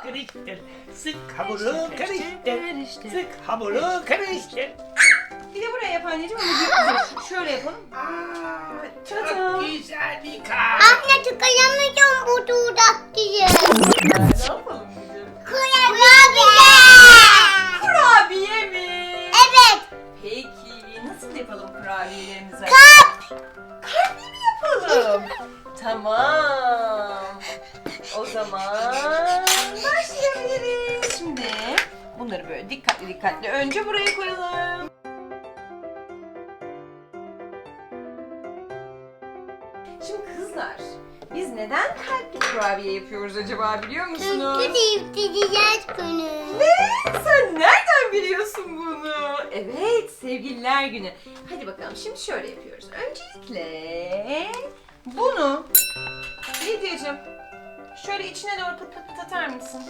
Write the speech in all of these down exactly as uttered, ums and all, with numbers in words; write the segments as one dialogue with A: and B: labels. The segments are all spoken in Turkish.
A: karıştır. Sık hamuru karıştır. Sık hamuru karıştır.
B: Bir de buraya yap anneciğim. Ama dur, şöyle yapalım.
A: Aa,
B: Tada.
A: çok güzel bir kar.
C: Anne çıkaramayacağım bu dudak diye.
B: Ne yapalım bugün?
C: Kurabiye.
B: Kurabiye mi?
C: Evet.
B: Peki nasıl yapalım kurabiyelerimizi?
C: Kalp.
B: Kalpli mi yapalım? Tamam. O zaman başlayabiliriz. Şimdi bunları böyle dikkatli dikkatli önce buraya koyalım. Şimdi kızlar, biz neden kalpli kurabiye yapıyoruz acaba biliyor musunuz?
C: Çünkü değiştireceğiz günü.
B: Ne? Sen nereden biliyorsun bunu? Evet, sevgililer günü. Hadi bakalım şimdi şöyle yapıyoruz. Öncelikle bunu Lidyacığım şöyle içine doğru pıt pıt pıt atar mısın?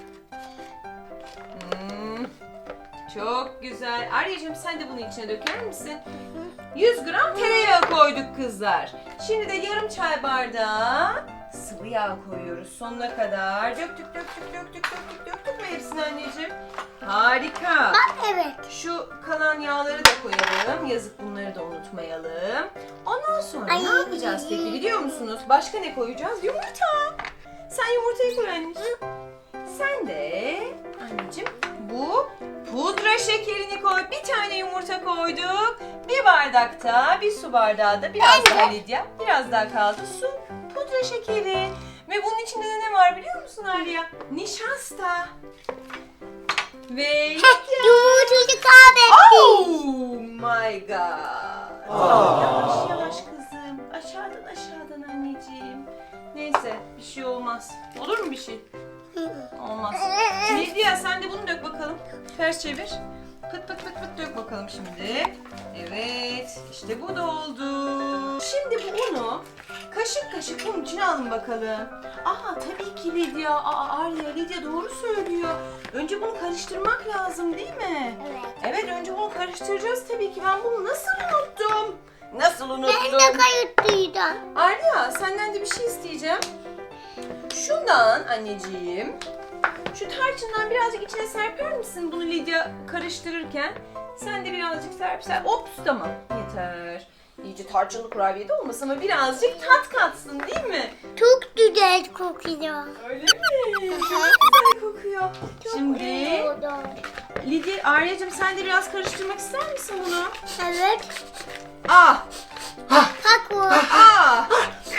B: Hmm, çok güzel. Arya'cığım sen de bunu içine döker misin? yüz gram tereyağı koyduk kızlar. Şimdi de yarım çay bardağı sıvı yağ koyuyoruz sonuna kadar. Döktük döktük döktük döktük döktük mü hepsini anneciğim? Harika.
C: Bak evet.
B: Şu kalan yağları da koyalım. Yazık bunları da unutmayalım. Ondan sonra
C: Ay.
B: ne yapacağız peki biliyor musunuz? Başka ne koyacağız? Yumurta. Sen yumurtayı koy anneciğim. Sen de anneciğim bu pudra şekerini koy. Bir tane yumurta koyduk. Bir bardakta, bir su bardağı da biraz daha Lidya. Biraz daha kaldı su, pudra şekeri. Ve bunun içinde de ne var biliyor musun Arya? Nişasta. Ve
C: Yumurtayı kahvetti.
B: Oh my god. Yavaş yavaş kızım. Aşağıdan aşağıdan anneciğim. Neyse bir şey olmaz. Olur mu bir şey? Olmaz. Lidya sen de bunu dök bakalım. Ters çevir. Pıt pıt pıt pıt dök bakalım şimdi. Evet. İşte bu da oldu. Şimdi bu unu kaşık kaşık bunun içine alın bakalım. Aa tabii ki Lidya. Aa Arya Lidya doğru söylüyor. Önce bunu karıştırmak lazım değil mi?
C: Evet.
B: Evet önce bunu karıştıracağız tabii ki. Ben bunu nasıl unuttum? Nasıl unuttum?
C: Ben de kayıtlıydım.
B: Arya senden de bir şey isteyeceğim. Şundan anneciğim. Şu tarçından birazcık içine serper misin bunu Lidya karıştırırken? Sen de birazcık serp serp. Ops tamam yeter. İyice tarçınlı kurabiye de olmasın ama birazcık tat katsın değil mi?
C: Çok güzel kokuyor.
B: Öyle mi? Çok güzel kokuyor. Şimdi
C: Şimdi.
B: Lidya, Arya'cığım sen de biraz karıştırmak ister misin bunu?
C: Evet.
B: Ah!
C: Bak bu.
B: Ah!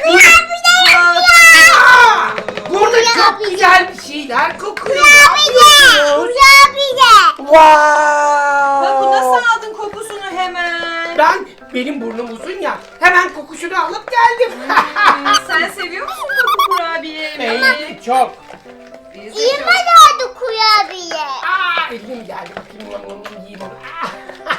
A: Aa, burada çok güzel bir şeyler kokuyor.
C: Kurabiye. Kurabiye.
A: Wow.
B: Bak bu nasıl aldın kokusunu hemen?
A: Ben benim burnum uzun ya. Hemen kokusunu alıp geldim.
B: Hmm, sen seviyor musun koku kurabiye yemeği?
A: Evet çok.
B: Biz de
C: İyi
B: çok-
C: oldu kurabiye.
A: Aa, elim geldi. Bakayım yam yam yam yiyeyim onu. Aa.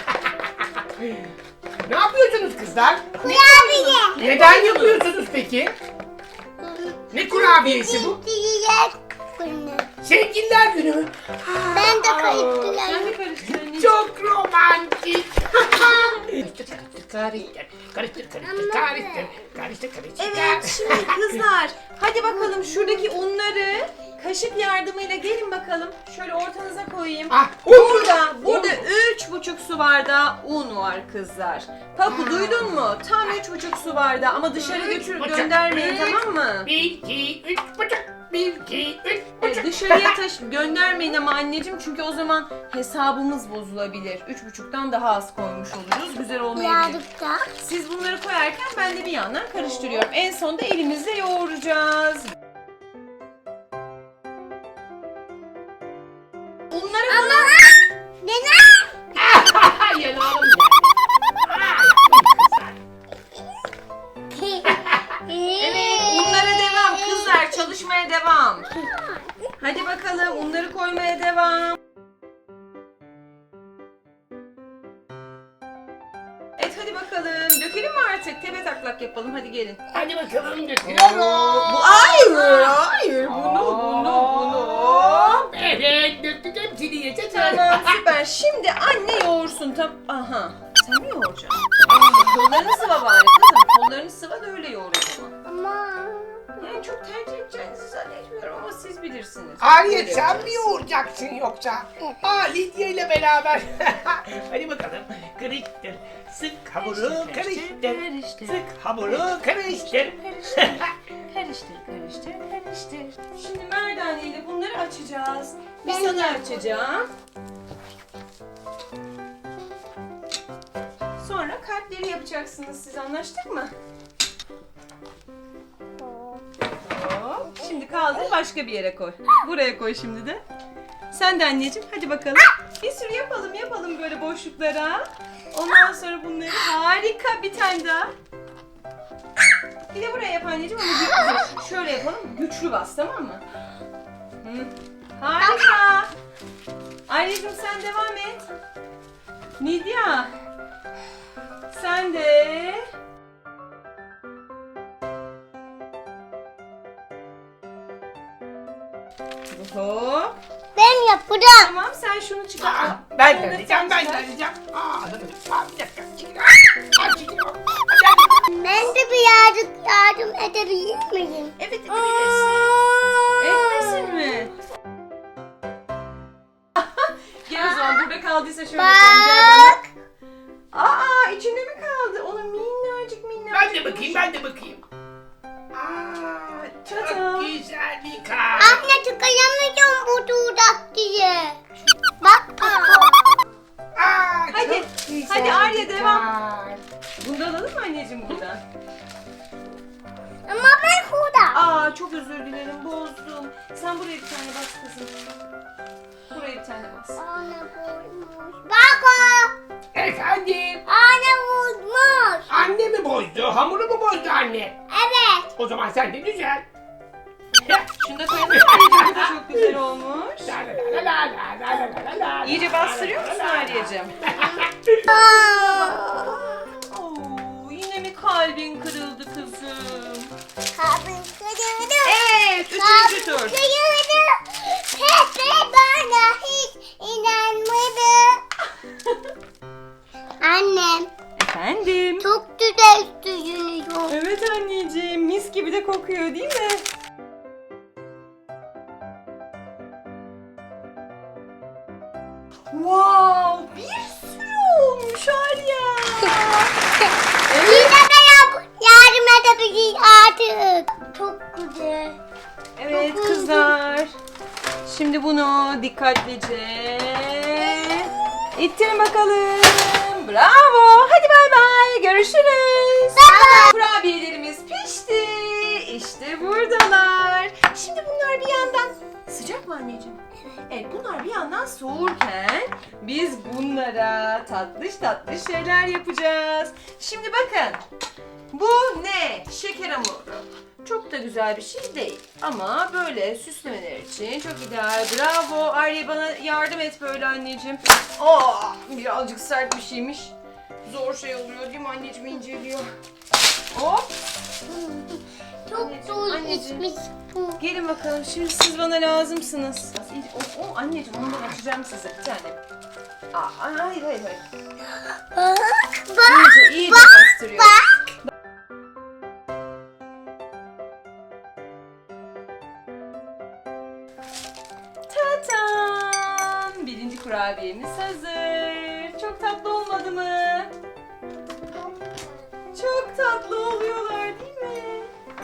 A: Ne yapıyorsunuz kızlar?
C: Kurabiye.
A: Neden yapıyorsunuz peki? Ne kurabiyesi bu?
C: Değiştireceğiz günü.
A: Sevgililer günü mü?
C: Ben de
B: Sen
C: kayıtlıyım.
B: de karıştır anneciğim.
A: Çok romantik. Karıştır, karıştır, karıştır, karıştır, karıştır, karıştır, karıştır.
B: Evet şimdi kızlar hadi bakalım şuradaki unları kaşık yardımıyla gelin bakalım. Şöyle ortanıza koyayım.
A: Ah,
B: Burada, burada üç buçuk su bardağı un var kızlar. Papu duydun mu? Tam üç buçuk su bardağı ama dışarı götür
A: buçuk.
B: göndermeyin tamam mı?
A: Bir, iki, üç buçuk. Bir, iki, üç
B: Evet,
A: buçuk.
B: dışarıya taş göndermeyin ama anneciğim çünkü o zaman hesabımız bozulabilir. Üç buçuktan daha az koymuş oluruz. Güzel olmayabilir.
C: Birazcık da.
B: Siz bunları koyarken ben de bir yandan karıştırıyorum. En sonunda elimizle yoğuracağız. Bunları
C: Ama neden?
A: Yanağım ya.
B: Evet, unlara devam kızlar, çalışmaya devam. Hadi bakalım, unları koymaya devam. Evet, hadi bakalım. Dökelim mi artık? Tepe taklak yapalım. Hadi gelin.
A: Hadi bakalım döküyorum.
B: Bu hayır, hayır. Bunu, bunu, bunu.
A: Evet, döktük hepsini yeter.
B: Tamam, süper. Şimdi anne yoğursun. Tam, aha. Sen mi yoğuracaksın? Kollarını sıva bari kızım. Kollarını sıva da öyle yoğur o zaman.
C: Ama.
B: Yani çok tercih edeceğinizi zannetmiyorum ama siz bilirsiniz. yoğurabilirsiniz.
A: Arya
B: Böyle
A: sen mi
B: yapacağız.
A: yoğuracaksın yoksa?
C: Evet.
A: Aa Lidya ile beraber. Hadi bakalım. Karıştır. Sık hamuru karıştır.
B: karıştır.
A: Sık hamuru karıştır.
B: Karıştır, karıştır, karıştır, karıştır. Şimdi merdane ile bunları açacağız. Bir
C: Ben
B: sana
C: yapayım.
B: açacağım. Sonra kalpleri yapacaksınız siz, anlaştık mı? Hop. Şimdi kaldır, başka bir yere koy. Buraya koy şimdi de. Sen de anneciğim, hadi bakalım. Bir sürü yapalım yapalım böyle boşluklara. Ondan sonra bunları harika, bir tane daha. Bir de buraya yap anneciğim ama gü- şöyle yapalım. Güçlü bas, tamam mı? Hı. Harika. Anneciğim sen devam et. Nidya. Sen de. Hop.
C: Ben yapacağım.
B: Tamam, sen şunu çıkar.
A: Aa, ben
B: Bunu
A: de
B: da
A: arayacağım,
B: sen
A: ben de
B: çıkar.
A: arayacağım. Aa, aa, bir dakika. Çekil. Aa, aa, çekil.
C: Ben de birazcık yardım edebilir miyim?
B: Evet, edebilirsin. Etmesin mi? Gel o zaman, burada kaldıysa şöyle yapalım. Gel
C: Bak.
B: bana. Aa, içinde mi kaldı? Onun minnacık minnacık.
A: Ben de bakayım, ben de bakayım. Aa, çok
B: Tadam.
A: güzel bir kar.
C: Anne tıkayamayacağım bu dudak diye. Bak.
A: Aa,
B: Hadi,
A: çok güzel
B: hadi Arya,
A: bir
B: devam.
A: kar.
B: Bunu da alalım mı anneciğim buradan?
C: Ama ben burada.
B: Aa, çok özür dilerim, bozdum. Sen buraya bir tane bas kızım. Buraya bir tane bas.
C: Anne vurmuş. Bak o.
A: Efendim,
C: Anne vurmuş.
A: anne mi bozdu, hamuru mu bozdu anne?
C: Evet.
A: O zaman sen de düzel.
B: Şunu da koyalım. Anneciğim, bu da çok güzel olmuş.
A: La la la la la la la la la.
B: İyice bastırıyor musun Arya'cığım?
C: Aa.
B: Oo, yine mi kalbin kırıldı kızım?
C: Kabın kırıldı.
B: Evet, üçüncü tur.
C: Kabın kırıldı. Pepe bana hiç inanmadı. Annem
B: Efendim?
C: çok güzel sürünüyor.
B: Evet anneciğim, mis gibi de kokuyor değil mi? Wow, bir sürü olmuş Arya.
C: Yine de yap, yardım edebiliriz artık. Çok güzel.
B: Evet kızlar. Şimdi bunu dikkatlice ittirin bakalım. Bravo. Hadi bay bay. Görüşürüz.
C: Bye.
B: Kurabiyelerimiz pişti. İşte buradalar. Şimdi bunlar bir yandan sıcak mı anneciğim? Evet, bunlar bir yandan soğurken biz bunlara tatlış tatlış şeyler yapacağız. Şimdi bakın. Bu ne? Şeker hamuru. Çok da güzel bir şey değil. Ama böyle süslemeler için çok ideal. Bravo. Arya, bana yardım et böyle anneciğim. Aa, birazcık sert bir şeymiş. Zor şey oluyor değil mi anneciğim, inceliyor. Hop.
C: Çok
B: Anneciğim,
C: zor
B: anneciğim.
C: içmiş bu.
B: Gelin bakalım. Şimdi siz bana lazımsınız. O, o anneciğim, onu da açacağım size bir tane. Aa, hayır hayır hayır.
C: Bak bak
B: İyice iyice
C: bak
B: bastırıyorum.
C: bak.
B: Tatam! Birinci kurabiyemiz hazır. Çok tatlı olmadı mı? Çok tatlı oluyorlar değil mi?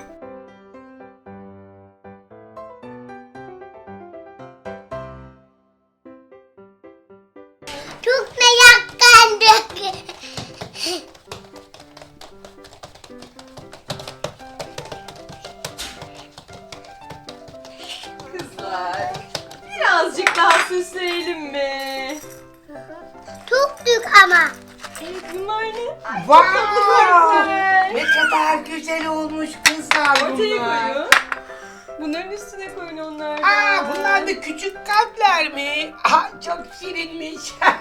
C: Çok meraklandık.
B: Kızlar, birazcık daha süsleyelim mi?
C: Çok büyük ama.
B: Evet, bunlar ne? Ay, çok
A: Wow!
B: tatlı görünüyor.
A: Ne kadar güzel olmuş kızlar
B: Ortaya
A: bunlar.
B: koyun. Bunların üstüne koyun onlardan.
A: Aa, bunlar da küçük kalpler mi? Aa, çok şirinmiş.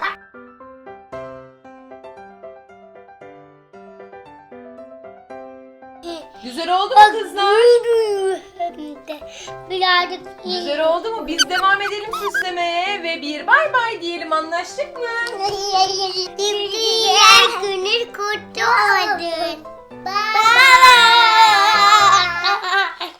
B: Güzel oldu mu kızlar?
C: Hem de birazcık iyi.
B: Güzel oldu mu? Biz devam edelim süslemeye ve bir bay bay diyelim, anlaştık mı?
C: Diğer günü kutlu olsun.